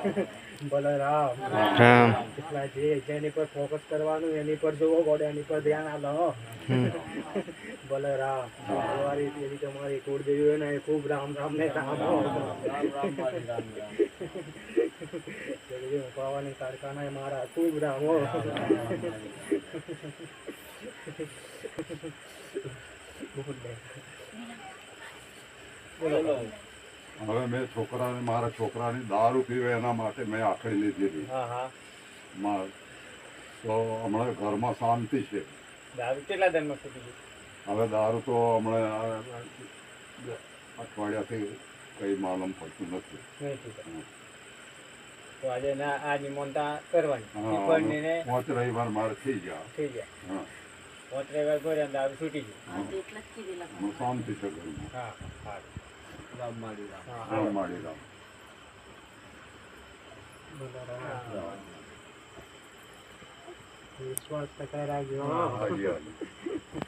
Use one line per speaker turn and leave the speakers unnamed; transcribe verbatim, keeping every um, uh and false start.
બલરામ
રામ
એટલા જે જેની પર ફોકસ કરવાનું એની પર જોવો ગોડે એની પર ધ્યાન આલો બલરામ તમારી એની તમારી કુળદેવી હોય ને એ ખૂબ રામ રામ ને રામ પાવાની કારખાના મારા ખૂબ રામ હો બોલો
હવે મેં છોકરાને મારા છોકરાની દારૂ પીવે એના માટે મેં આખડી લીધેલી
હા હા
માં તો હમણાં ઘરમાં શાંતિ છે.
દારૂ કેટલા દિનમાં છૂટી ગયું?
હવે દારૂ તો હમણાં અઠવાડિયાથી કંઈ માલમ પડતું નથી.
નહીં છૂટે તો આજે ના આ નિમંત્રણ કરવાની
હા,
પીપળની ને
પાંચ રવિવાર મારે થઈ ગયા.
થઈ જાય
હા,
પાંચ રવિવાર ભર્યા ને દારૂ છૂટી ગયું.
હા. હમણાં શાંતિ છે ઘરમાં.
હા હા
રામ માળી રામ.
હા
રામ
હા
માળી રામ.
બલરામ. વિશ્વાસ ટકાઈ રાખજો
હાજી, હાજી.